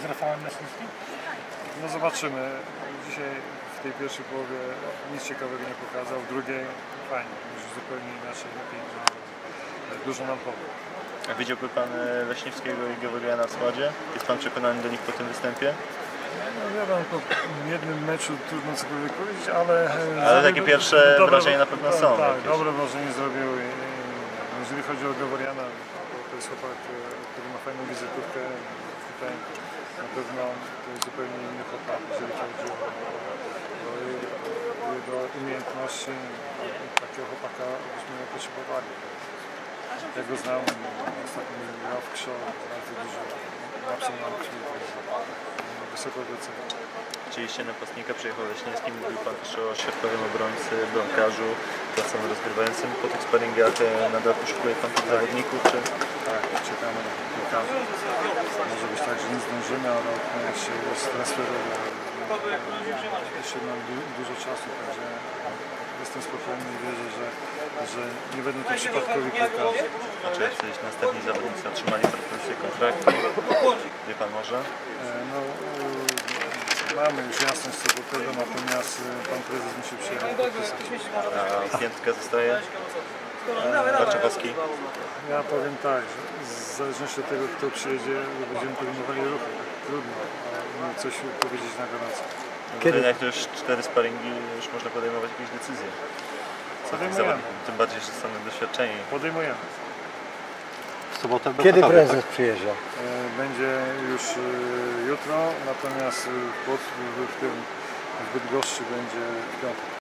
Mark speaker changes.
Speaker 1: z Rafałem Lesnickim?
Speaker 2: No zobaczymy. Dzisiaj w tej pierwszej połowie nic ciekawego nie pokazał, w drugiej fajnie, już zupełnie inaczej, lepiej, dużo nam powie.
Speaker 3: A widziałby Pan Leśniewskiego i Gawryla na składzie? Jest Pan przekonany do nich po tym występie?
Speaker 2: No wiadomo, po jednym meczu trudno cokolwiek powiedzieć, ale
Speaker 3: takie pierwsze wrażenia na pewno są.
Speaker 2: Tak,
Speaker 3: jakieś.
Speaker 2: dobre wrażenie zrobił. Jeżeli chodzi o Gawryla, to jest chłopak, który ma fajną wizytówkę. Tutaj na pewno to jest zupełnie inny chłopak, jeżeli chodzi o jego umiejętności. Takiego chłopaka byśmy nie potrzebowali. Ja go znam, ostatnio grał w Krzo, bardzo dużo napsał nauki, wysoko doceniam.
Speaker 3: Oczywiście napastnika przyjechał Leśniewski, mówił Pan też o środkowym obrońcy, bramkarzu, pracownym rozgrywającym. Po tych sparingach nadal poszukuje Pan tych zawodników, czy?
Speaker 2: Tak, czekamy na piłkarzy. Może być tak, że nie zdążymy, ale jeszcze jest transferowy. Jeszcze mam dużo czasu, także jestem spokojny i wierzę, że nie będą to przypadkowi piłkarze.
Speaker 3: A czy jacyś następni zawodnicy otrzymali propozycję kontraktu? Wie Pan może?
Speaker 2: No, mamy już jasność co do tego, natomiast pan prezes musi przyjechać podpisać.
Speaker 3: A piętka zostaje? Baczewowski?
Speaker 2: Ja powiem tak, że w zależności od tego, kto przyjedzie, będziemy podejmowali ruchy. Trudno coś powiedzieć na gorąco.
Speaker 3: Kiedy? Jak to już 4 sparingi, już można podejmować jakieś decyzje.
Speaker 2: Podejmujemy.
Speaker 3: Tym bardziej, że są doświadczeni.
Speaker 2: Podejmujemy.
Speaker 4: Kiedy prezes przyjeżdża?
Speaker 2: Będzie już jutro, natomiast w Bydgoszczy będzie w piątek.